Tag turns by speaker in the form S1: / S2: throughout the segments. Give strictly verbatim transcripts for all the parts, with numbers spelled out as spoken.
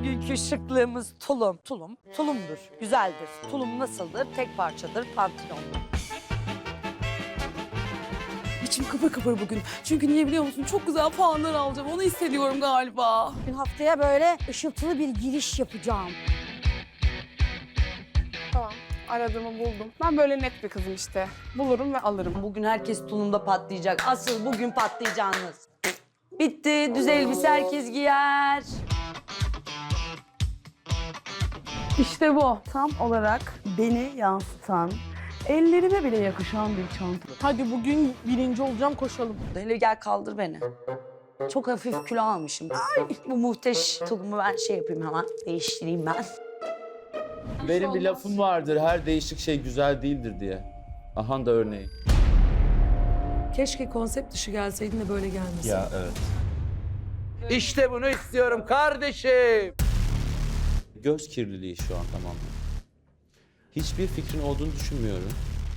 S1: Bugünkü şıklığımız tulum. Tulum, tulumdur, güzeldir. Tulum nasıldır? Tek parçadır, pantolonlu.
S2: İçim kıpır kıpır bugün. Çünkü niye biliyor musun? Çok güzel puanlar alacağım. Onu hissediyorum galiba.
S3: Bugün haftaya böyle ışıltılı bir giriş yapacağım.
S4: Tamam, aradığımı buldum. Ben böyle net bir kızım işte. Bulurum ve alırım.
S1: Bugün herkes tulumda patlayacak. Asıl bugün patlayacağınız. Bitti, düz elbise herkes giyer.
S5: İşte bu. Tam olarak beni yansıtan, ellerime bile yakışan bir çanta.
S4: Hadi bugün birinci olacağım, koşalım.
S1: Hele gel kaldır beni. Çok hafif kilo almışım. Ay, bu muhteş tulumu ben şey yapayım hemen. Değiştireyim ben.
S6: Benim bir lafım vardır, her değişik şey güzel değildir diye. Aha da örneği.
S2: Keşke konsept dışı gelseydin de böyle gelmesin.
S6: Ya evet.
S7: İşte bunu istiyorum kardeşim.
S6: Göz kirliliği şu an tamamen. Hiçbir fikrin olduğunu düşünmüyorum.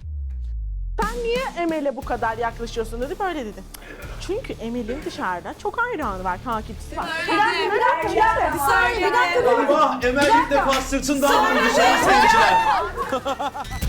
S8: Emel'e bu kadar yaklaşıyorsun dedi, böyle dedi. Çünkü Emel'in dışarıda çok hayranı var, takipçisi var. Bir dakika, bir dakika, bir dakika. Bir saniye, bir dakika.
S6: Eyvah! Emel ilk defa sırtından vurdu sayın seyirciler.